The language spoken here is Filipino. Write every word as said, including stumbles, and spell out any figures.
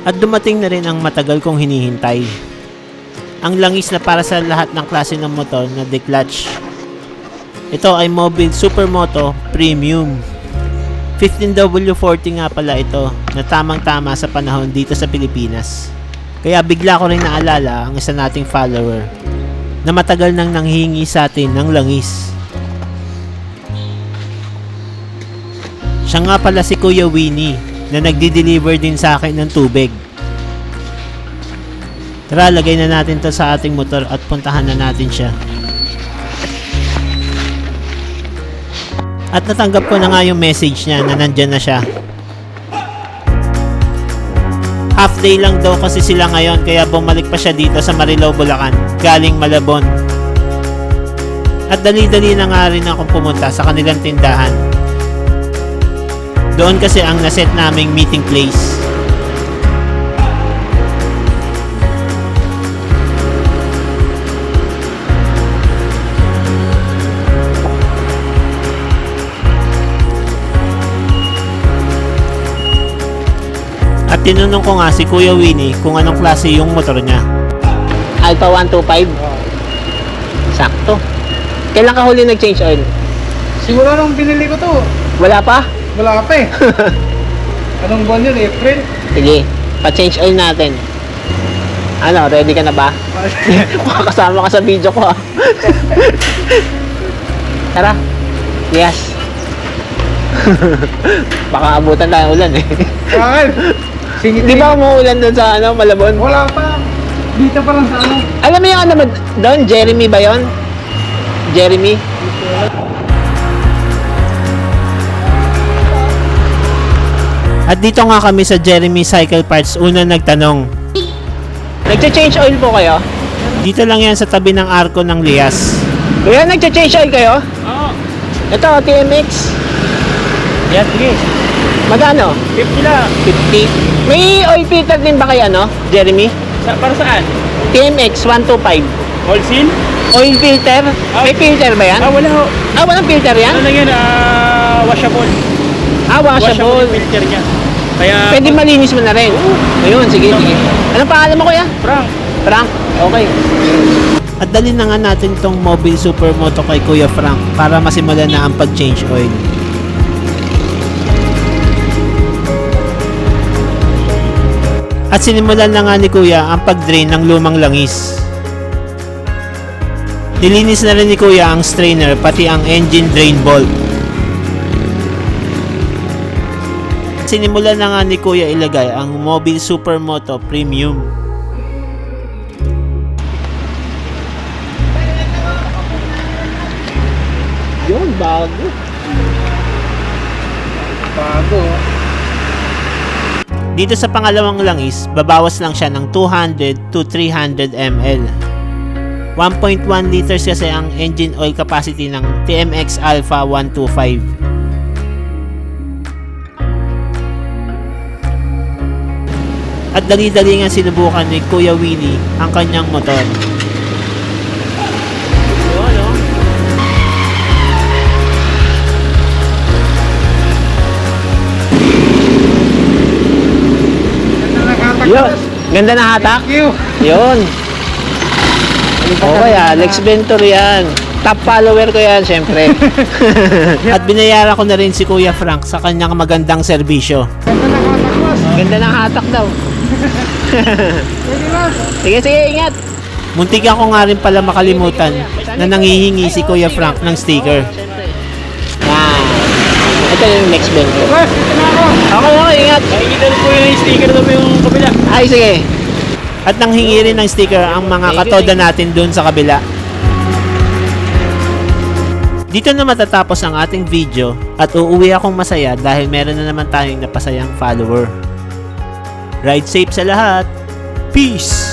At dumating na rin ang matagal kong hinihintay. Ang langis na para sa lahat ng klase ng motor na declutch. Ito ay Mobile Supermoto Premium. fifteen W forty nga pala ito na tamang-tama sa panahon dito sa Pilipinas. Kaya bigla ko rin naalala ang isa nating follower na matagal nang nanghihingi sa atin ng langis. Siya nga pala si Kuya Winnie na nagdi-deliver din sa akin ng tubig. Tara, lagay na natin to sa ating motor at puntahan na natin siya. At natanggap ko na nga yung message niya na nandyan na siya. Half day lang daw kasi sila ngayon kaya bumalik pa siya dito sa Marilao, Bulacan, galing Malabon. At dali-dali na nga rin akong pumunta sa kanilang tindahan. Doon kasi ang naset naming meeting place. At tinanong ko nga si Kuya Winnie kung anong klase yung motor niya. Alpha one twenty-five. Sakto. Kailan ka huli nag-change oil? Siguro nung binili ko to, Wala pa? wala pa eh. Anong buwan yun? April? Sige, pa-change oil natin. Ano, ready ka na ba? Kasama ka sa video ko ah. Tara. Yes. Baka abutan tayo ulan eh. Bakit? Singit Di ba umuulan doon sa ano, Malabon? Wala pa. Dito pa lang sa ano. Alam mo yung ano ba doon? Jeremy ba yun? Jeremy? At dito nga kami sa Jeremy Cycle Parts una nagtanong. Nagcha-change oil po kayo? Dito lang yan sa tabi ng arko ng Lias. Kuya, nagcha-change oil kayo? Oo. Ito, T M X. Yan, sige. Magkano? fifty lang. fifty. May oil filter din ba kayo, ano? Jeremy? Sa, para saan? T M X one twenty-five. Wholesale? Oil filter? May filter ba yan? Ah, wala ho. Ah, walang filter yan? Ano lang yan? Ah, washable. Ah, washable. yung filter niya. Kaya, Pwede malinis mo na rin. Ayun, sige, sige. Anong pangalan mo, kuya? Frank, Frank. Okay. At dali na nga natin tong Mobile Supermoto kay Kuya Frank para masimulan na ang pag-change oil. At sinimulan na nga ni Kuya ang pag-drain ng lumang langis. Nilinis na rin ni Kuya ang strainer pati ang engine drain bolt. Sinimulan na nga ni Kuya ilagay ang Mobile Supermoto Premium. Yun, bago. bago. Dito sa pangalawang langis, babawas lang siya ng two hundred to three hundred milliliters. one point one liters kasi ang engine oil capacity ng T M X Alpha one twenty-five. At dali-dali nga sinubukan ni Kuya Winnie ang kanyang motor. Yun, oh. Yun. Ganda na hatak. Thank you. Yun. Okay, Alex Ventur yan. Top follower ko yan, syempre. At binayaran ko na rin si Kuya Frank sa kanyang magandang serbisyo. Ganda na katakwas. Ganda ng hatak daw. Pwede na. Sige, sige, ingat. Muntik ako nga rin pala makalimutan na nangihingi si Kuya Frank ng sticker. Yan. Ito yung next Ventur. Boss, dito na ako. Okay, okay, ingat. Nakikita ko yung sticker doon yung kabila. Ay, sige. At nanghingi rin ng sticker ang mga katoda natin dun sa kabila. Dito na matatapos ang ating video at uuwi akong masaya dahil meron na naman tayong napasayang follower. Ride safe sa lahat. Peace!